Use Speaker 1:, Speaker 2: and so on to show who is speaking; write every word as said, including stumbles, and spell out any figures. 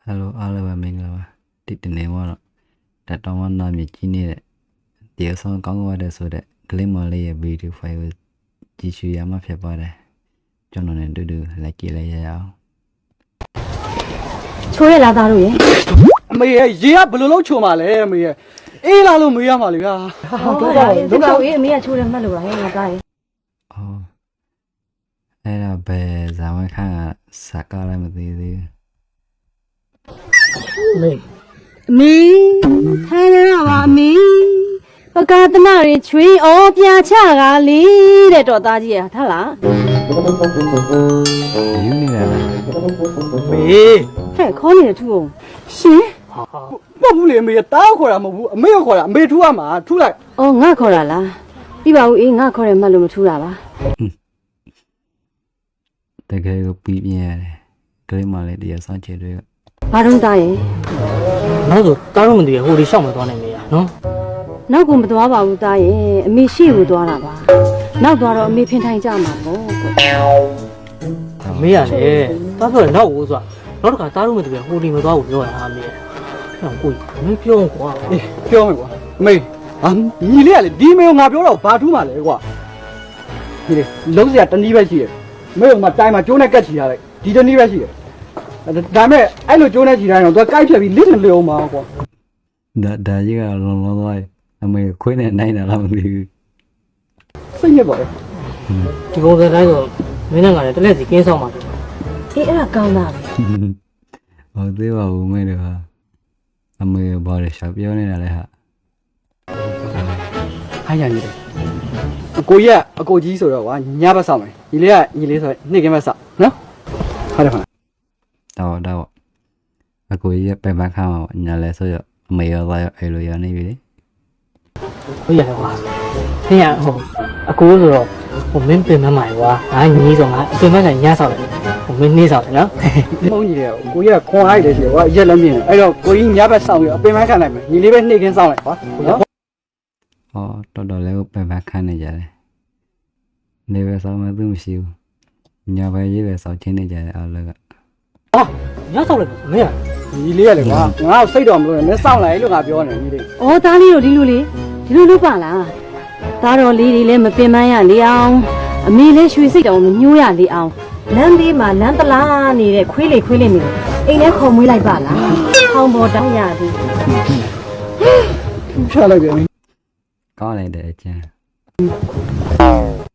Speaker 1: Hello, hello, mình là đi đến đây mà đã trongวันนั้นมีที่นี่แหละเดี๋ยวส่งกล้องว่าได้สุดเลยคลิปมาเลยวิดีโอไฟล์จีชูยามาเพียบเลยจนนนดูดูอะไรกี่อะไรยาว
Speaker 2: ချိုးရလာသားတို့ရေ
Speaker 3: အမေရေကဘယ်လိုလုပ်ချိုမှာလဲအမေရေအေးလာလို့မေးရမှာလေဗျာ
Speaker 2: ဟုတ်ကဲ့ဒီကောင်အေးအမေကချိုးတယ်မှတ်လို့လားဟဲ့ငါသားရေ
Speaker 1: အော်အဲ့ဒါပဲဇာဝန်ခန့်ကစကားလည်းမသိသေး
Speaker 2: မေအမေထိုင်ရပါအမေပကာတနာရေချွေးဩပြာချကလေးတဲ့တော်သားကြီးရထားလား
Speaker 1: ယူနေရလား
Speaker 3: မေ
Speaker 2: ဟဲ့ခေါ်နေတယ်သူ့အောင်ရှင်
Speaker 3: မဟုတ်ဘူးလေအမေတားခေါ်တာမဟုတ်ဘူးအမေခေါ်တာအမေထူရမှာထူလိုက်
Speaker 2: ဩငါခေါ်တာလားပြပါဦးအေးငါခေါ်တယ်မှတ်လို့မထူတာပါ
Speaker 1: တကယ်ကိုပြီးပြင်းရတယ်ကလေးမလေးတရားဆောင်ချေတွေက
Speaker 2: ဘာတော့သားရေ
Speaker 4: နောက်ဆိုတားတော့မသိရဟိုဒီရှောက်မသွားနိုင်မေးရနော်
Speaker 2: နောက်ကမသွားပါဘူးသားရေအမေရှိကိုသွားတာပါနောက်သွားတော့အမေဖင်ထိုင်ကြမှာပေါ့ကွ
Speaker 4: မေးရတယ်တားဆိုတော့နောက်ဦးဆိုတာနောက်တစ်ခါတားတော့မသိရဟိုဒီမသွားဘူးပြောရတာမေးရအဲ့ကိုမင်းပြောကွာ
Speaker 3: အေးပြောမယ်ကွာအမေဟာညီလေးကလေဒီမေကိုငါပြောတော့ဘာထူးမှာလဲကွာဒီလေလုံးစရာတနည်းပဲရှိတယ်အမေကမှတိုင်မှာကျိုးနဲ့ကတ်ချီရလိုက်ဒီတနည်းပဲရှိတယ်ဒါမဲ့အဲ့လိုကျိုးနဲ့ချီတိုင်းတော့သူကကိုက်ဖြတ်ပြီးလစ်နေလေအောင်ပါကွာ
Speaker 1: ဒါဒါကြီးကလုံးလုံးသွားအမေခွေးနဲ့နိုင်တာလားမသိဘူး
Speaker 3: စိတ်ညစ်ပါလေ
Speaker 4: ဒီပုံစံတိုင်းဆိုမင်းနဲ့ငါလည်းတလက်စီကင်းဆောင်ပါ
Speaker 2: အေးအဲ့ဒါကောင်းတာပဲ
Speaker 1: ဟုတ်သေးပါဘူးမေတို့ဟာအမေဘာလဲရှောက်ပြောနေတာလဲဟာ
Speaker 3: အားရနေတယ်အကိုကြီးကအကိုကြီးဆိုတော့ကွာညဘက်ဆောင်မယ်ညီလေးကညီလေးဆိုနေ့ကင်းဘက်ဆောင်နော်ဟုတ်တယ်ခါ
Speaker 1: တော့တော့အကိုကြီးပဲမခါမှာညာလဲဆိုရအမေရောသားရောအဲ့လိုရနေပြီလေ
Speaker 4: ဟုတ်ရတယ်ကွာသင်ရဟိုအကိုဆိုတော့ဟိုမင်းပြင်မမိုင်ကွာငါညီးဆိုငါအပြင်မဆိုင်ညဆောက်တယ်ဟိုမင်းနေဆောက်တယ်နော်
Speaker 3: မဟုတ်ကြီးတယ်ကိုကြီးကခွန်အားရတယ်ရှိကွာရက်လည်းမြင်အဲ့တော့ကိုကြီးညဘက်ဆောင်ပြီးအပင်မခံလိုက်မယ်ညီလေးပဲနေ့ကင်းဆောင်လိုက်ကွာနော်
Speaker 1: ဟောတော်တော်လေးပဲမခါနေကြတယ်နေပဲဆောင်မှသူမရှိဘူးညာပဲရေးပဲဆောင်ချင်းနေကြတယ်အားလုံးက
Speaker 4: ဟာညဆောက်လိုက်မင်းရ
Speaker 3: ညီလေးရလေကွာငါ့ကိုစိတ်တော်မလို့နဲ့မင်းစောင့်လိုက်လို့ငါပြောနေညီလေး
Speaker 2: ဩသားလေးတို့ဒီလိုလေဒီလိုလုပ်ပါလားသားတော်လေးတွေလည်းမပင်ပန်းရလေအောင်အမေလည်းရွှေစိတ်တော်မညှိုးရလေအောင်လမ်းသေးမှာလမ်းတလားနေတဲ့ခွေးလေးခွေးလေးနေအိမ်ထဲခေါ်မွေးလိုက်ပါလားခေါင်းပေါ်တောင်းရသည်
Speaker 3: ချလိုက်ပြန်
Speaker 1: ကောင်းလိုက်တဲ့အကျန်း